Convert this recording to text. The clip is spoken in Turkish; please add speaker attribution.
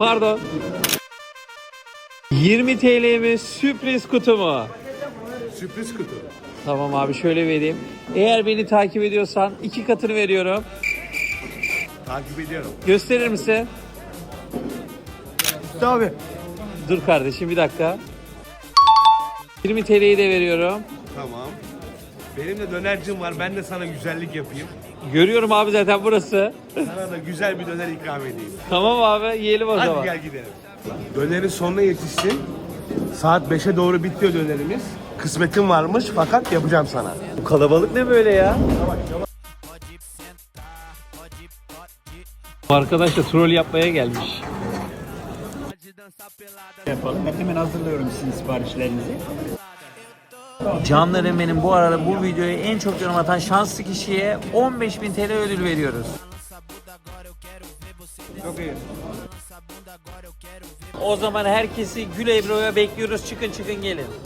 Speaker 1: Pardon. 20 TL mi sürpriz kutu mu?
Speaker 2: Sürpriz kutu.
Speaker 1: Tamam abi şöyle vereyim. Eğer beni takip ediyorsan 2 katını veriyorum.
Speaker 2: Takip ediyorum.
Speaker 1: Gösterir misin?
Speaker 2: Tabii.
Speaker 1: Dur kardeşim bir dakika. 20 TL'yi de veriyorum.
Speaker 2: Tamam. Benim de dönercim var. Ben de sana güzellik yapayım.
Speaker 1: Görüyorum abi zaten burası.
Speaker 2: Sana da güzel bir döner ikram edeyim.
Speaker 1: Tamam abi yiyelim o
Speaker 2: Hadi
Speaker 1: zaman.
Speaker 2: gel gidelim. Dönerin sonuna yetişsin. Saat 5'e doğru bitiyor dönerimiz. Kısmetim varmış fakat yapacağım sana.
Speaker 1: Bu kalabalık ne böyle ya? Bu arkadaş da troll yapmaya gelmiş.
Speaker 3: Yapalım. Ben hemen hazırlıyorum sizin siparişlerinizi.
Speaker 1: Canlarım benim, bu arada bu videoya en çok yorum atan şanslı kişiye 15.000 TL ödül veriyoruz.
Speaker 3: Çok iyi.
Speaker 1: O zaman herkesi Gül Ebru'ya bekliyoruz. Çıkın gelin.